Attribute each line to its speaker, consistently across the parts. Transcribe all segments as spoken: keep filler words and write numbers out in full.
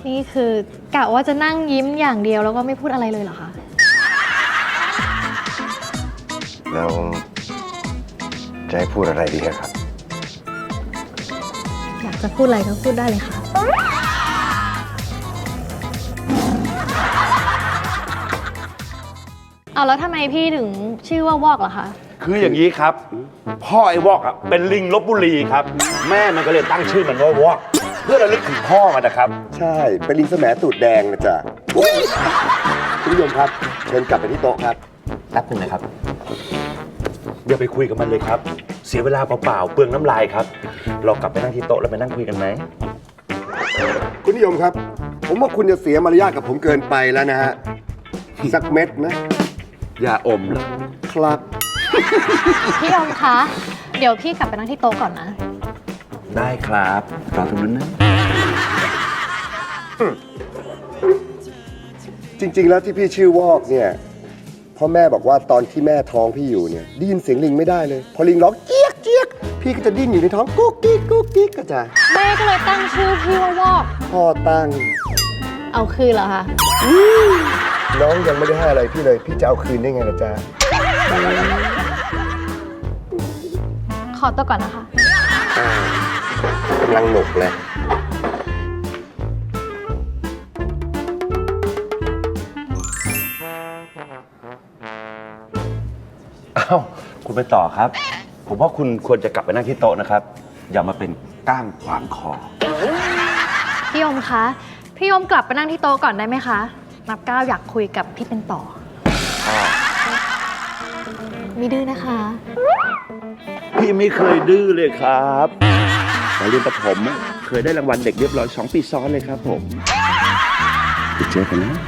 Speaker 1: นี่คือกะว่าจะนั่งยิ้มอย่างเดียวแล้วก็ไม่พูดอะไรเลยเหรอคะ
Speaker 2: แล้วจะให้พูดอะไรดีครับ
Speaker 1: อยากจะพูดอะไรก็พูดได้เลยค่ะเอาแล้วทำไมพี่ถึงชื่อว่าวอกเหรอคะ
Speaker 3: คืออย่างนี้ครับพ่อไอ้วอกอ่ะเป็นลิงลพบุรีครับแม่มันก็เลยตั้งชื่อมันว่าวอกเพื่อระลึกถึงพ่อมันนะครับ
Speaker 2: ใช่เป็นลิงแสมตูดแดงนะจ๊ะคุณผู้ชมครับเชิญกลับไปที่โต๊ะครับ
Speaker 3: แป๊บนึงนะครับอย่าไปคุยกับมันเลยครับเสียเวลาเปล่าๆเปลืองน้ำลายครับเรากลับไปนั่งที่โต๊ะแล้วไปนั่งคุยกันไหม
Speaker 2: คุณนิยมครับผมว่าคุณจะเสียมารยาทกับผมเกินไปแล้วนะฮะสักเม็ดนะ
Speaker 3: อย่าอมเลย
Speaker 2: ครับ
Speaker 1: พี่ยมคะเดี๋ยวพี่กลับไปนั่งที่โต๊ะก่อนนะ
Speaker 3: ได้ครับรอตรงนั้นนะ
Speaker 2: จริงๆแล้วที่พี่ชื่อวอกเนี่ยพ่อแม่บอกว่าตอนที่แม่ท้องพี่อยู่เนี่ยได้ยินเสียงลิงไม่ได้เลยพอลิงร้องเจี๊ยกเจี๊ยกพี่ก็จะดิ้นอยู่ในท้องกุ๊กกิ๊กกุ๊กกิ๊กก็จะ
Speaker 1: แม่ก็เลยตั้งชื่อพี่ว่าวอก
Speaker 2: พ่อตั้ง
Speaker 1: เอาคืนเหรอคะ
Speaker 2: น้องยังไม่ได้ให้อะไรพี่เลยพี่จะเอาคืนได้ไงล่ะจ๊ะ
Speaker 1: ขอตัวก่อนนะคะ
Speaker 2: กำลังหนุกเลย
Speaker 3: อ้าวคุณไปต่อครับผมว่าคุณควรจะกลับไปนั่งที่โต๊ะนะครับอย่ามาเป็นก้างขวางคอ
Speaker 1: พี่ยมคะพี่ยมกลับไปนั่งที่โต๊ะก่อนได้ไหมคะนับก้าวอยากคุยกับพี่เป็นต่อไม่ดื้อนะคะ
Speaker 3: พี่ไม่เคยดื้อเลยครับตอนเรียนประถมเคยได้รางวัลเด็กเรียบร้อยสองปีซ้อนเลยครับผมไปเจอกันนะ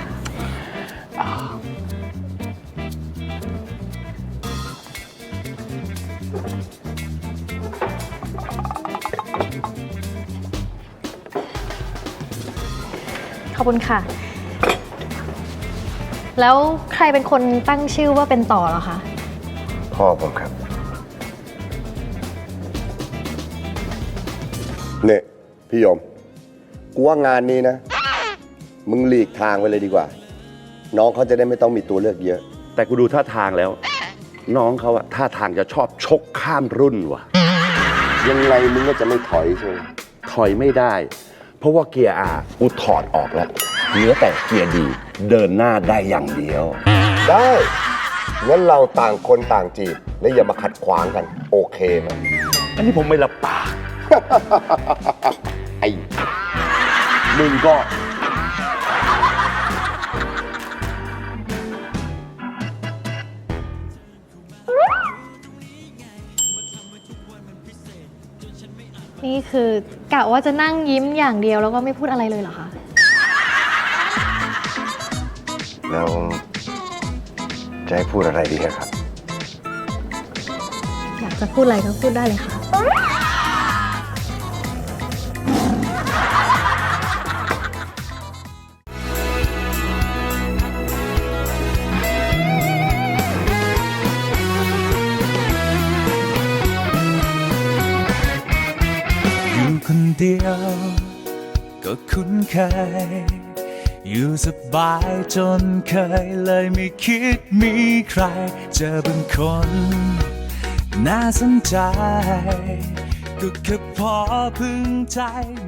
Speaker 1: ขอบคุณค่ะแล้วใครเป็นคนตั้งชื่อว่าเป็นต่อเหรอคะ
Speaker 2: พ่อผมครับเนี่ยพี่ยมกูว่างานนี้นะมึงหลีกทางไปเลยดีกว่าน้องเขาจะได้ไม่ต้องมีตัวเลือกเยอะ
Speaker 3: แต่กูดูท่าทางแล้วน้องเขาอะท่าทางจะชอบชกข้ามรุ่นว่ะ
Speaker 2: ยังไงมึงก็จะไม่ถอยใช่ไหม
Speaker 3: ถอยไม่ได้เพราะว่าเกียร์อากูถอดออกแล้วเหลือแต่เกียร์ดีเดินหน้าได้อย่างเดียว
Speaker 2: ได้งั้นเราต่างคนต่างจีบและอย่ามาขัดขวางกันโอเคไหม
Speaker 3: อันนี้ผมไม่รับปาก
Speaker 2: ไอ้
Speaker 3: มึงก็
Speaker 1: นี่คือกะว่าจะนั่งยิ้มอย่างเดียวแล้วก็ไม่พูดอะไรเลยเหรอคะ
Speaker 2: แล้วจะให้พูดอะไรดีครับ
Speaker 1: อยากจะพูดอะไรก็พูดได้เลยค่ะ
Speaker 4: อยู่คนเดียวก็คุ้นเคยอยู่สบายจนเคยเลยไม่คิดมีใครเจอบางคนน่าสนใจก็แค่พอพึงใจ